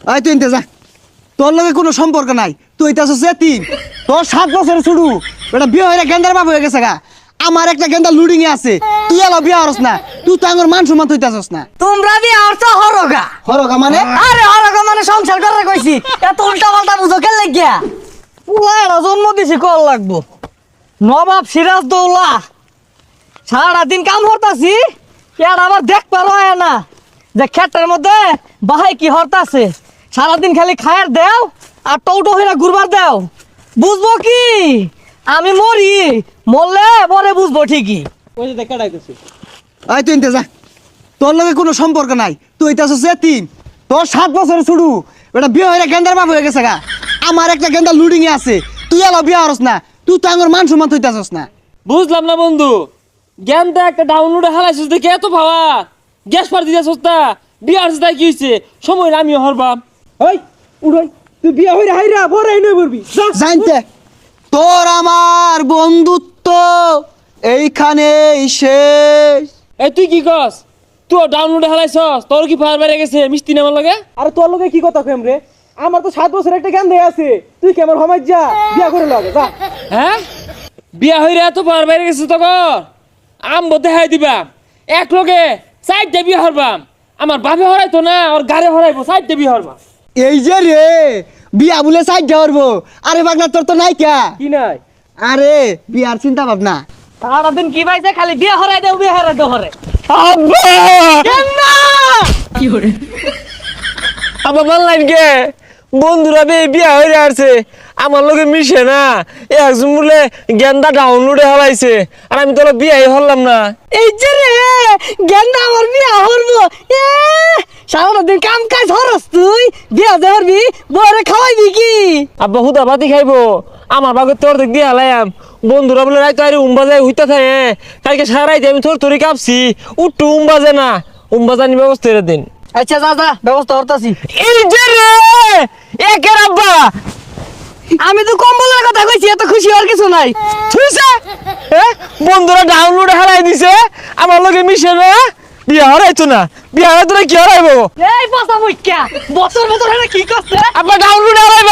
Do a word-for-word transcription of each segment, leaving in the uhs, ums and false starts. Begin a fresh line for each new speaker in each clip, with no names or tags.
আয় তুই যা, তোর লগে কোনো সম্পর্ক নাই, তুই তো আছিস এতিম। তোর সাত বছরের শুরু এটা বিয়ে হয়ে গেন্দার বাপ হয়ে গেছে গা। আমার একটা গেন্দা লুডিং এ আছে, তুই এলো বিয়ে হরস না, তুই তো আমার মান সম্মান হইতাছস না।
তোমরা বিয়ে হরছো হরগা
হরগা মানে?
আরে হরগা মানে সংসার করে কইছি, এত উল্টা পাল্টা বুঝো কেন লাগিয়া? পুলাটা জন্ম দিছি কল লাগবো। নবাব সিরাজ দৌলা সারাদিন কাম হরতাছি, আর আবার দেখ পারো না যে ক্ষেতের মধ্যে বাহাই কি হরতাছে। সারাদিন খালি খায়ের দেও আর টৌটো হয়ে ঘুরবার দেও। বুঝবো কি আমি মরি, মরলে পরে বুঝবো ঠিকই।
ওই যে দেখা ডাইতেছে।
আয় তুই যা, তোর লগে কোনো সম্পর্ক নাই, তুই তো আছিস এতিম। তোর সাত বছরের শুরু এটা বিয়ে হয়ে গেন্দার বাপ হয়ে গেছে গা। আমার একটা গেন্দা লুডিং এ আছে, তুই এলো বিয়ে হরস না, তুই তো আমার মান সম্মান হইতাছস না।
বুঝলাম না বন্ধু, জ্ঞানটা একটা ডাউনলোডে হালাইছিস দেখে এত ভাবা গ্যাস পার দিতেছিস না। বিয়ে আসছে তাই কি হয়েছে, সময় আমিও হরবাম। ওই উড়াই, তুই বিয়ে হইরা হাইরা বড় নই করবি।
জানতে তোর আমার বন্ধুত্ব এইখানেই শেষ।
এই তুই কি কস? তুই ডাউনলোডে হালাইছস, তোর কি ফায়ার বেড়ে গেছে মিষ্টি নামার লাগে?
আরে তোর লগে কি কথা কইম রে? আমার তো সাত বছর একটা জ্ঞান দেয়া আছে, তুই কেমন হমাই যা বিয়া করে লাগে যা।
হ্যাঁ, বিয়া হইরা এত ফায়ার বেড়ে গেছে তখন আম বলতে হাই দিবা এক লগে সাইডে বিয়ে হরবাম। আমার বাপে হরাইতো না, ওর গাড়ি হরাইবো, সাইডে বিয়ে হরবাম।
এই যে রে বিয়া বলে সাইড যাওয়ারবো। আরে বাগনা তোর তো নাই কা।
কি নাই?
আরে বিয়ার চিন্তা ভাবনা।
সারাদিন কি পাইছে খালি বিয়ে হরাই দেও, বিয়ে হরাই দেও হরে।
আবার বললেন কে বন্ধুরা বে বিয়া হয়ে আসছে, আমার লোকে মিশে না। একজন বলে গেন্দা ডাউনলোডে হলাইছে, আর আমি তো বিয়াই হলাম না।
এই যে রে গেন্দা আমার বিয়া হরবো। এ সারাদিন কাম কাজ হরস, তুই বিয়া যে হরবি বরে খাওয়াইবি কি?
আব্বা হুদা বাতি খাইবো, আমার বাগে তোর দেখ দিয়ে হালাইম। বন্ধুরা বলে রাইতো আরে উম্বা যায় হইতা থাকে, কালকে সারাই দিয়ে আমি তোর তোরে কাঁপছি, উঠু উম্বা যায় না, উম্বা জানি ব্যবস্থা করে দিন।
আচ্ছা যা যা ব্যবস্থা করতাছি।
এই যে রে একের আব্বা,
আমি তো কম্বলের কথা কইছি, এত খুশি হওয়ার কিছু নাই।
থুইছে হ্যাঁ, বন্ধুরা ডাউনলোড হারাই দিছে, আমার লগে মিশে না, বিয়া হরাইতো না। বিয়া হরাইতো না কি হরাইবো?
এই পচা মুখ্যা বছর বছর হেনে কি করছে?
আব্বা ডাউনলোড হারাইবো।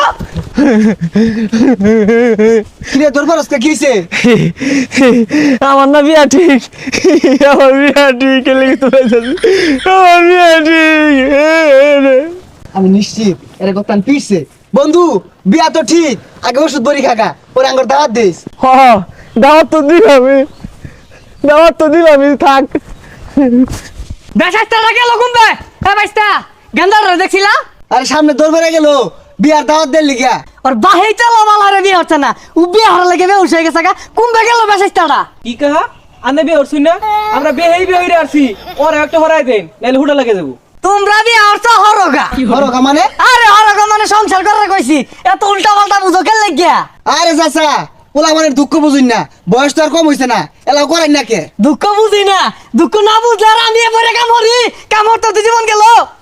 কিরে তোর বরসকে কিছে?
আমার না বিয়া ঠিক, আমার বিয়া ঠিক লেগে তো আমার বিয়া ঠিক।
আমি নিশ্চিত এর কথা পিছে। বন্ধু বিয়া তো ঠিক, আগে ওষুধ বড়ি খাগা, পরে আঙ্গুর দাওয়াত দিস।
হ দাওয়াত তো দিলামই, দাওয়াত তো দিলামই, থাক।
বেশাইস্তাটা গেল কুম্বে। এ বাইস্তা গেন্দারে দেখছিলা?
আরে সামনে দৌড় বেড়ে গেল, বিয়ার দাওয়াত দেন লিগা।
ওর বাহেই চালো মালারে বিয়ে হচ্ছে না, ও বিয়ে হারা লাগে বেউস হয়ে গেছে গা। কুম্বে গেল বেশাইস্তাটা?
কি কাহা আনে বিয়ে হরছুই না? আমরা বিয়ে হেই বিয়ে হইরা আসছি, ওরে একটা হরাই দেন নাইলে হুডা লাগে যাবো।
তোমরা বিয়ে হরছো হরগা।
হরগা মানে?
আরে হরগা মানে সংসার করে কইছি, এত উল্টা পাল্টা বুঝো কেন লাগিয়া?
আরে চাচা পোলা মানে দুঃখ বুঝুন না, বয়স তো আর কম হইছে না, এলাও করেন না কে?
দুঃখ বুঝি না, দুঃখ না বুঝলে আর আমি এবারে কাম হরি, কাম হরতে তো জীবন গেল।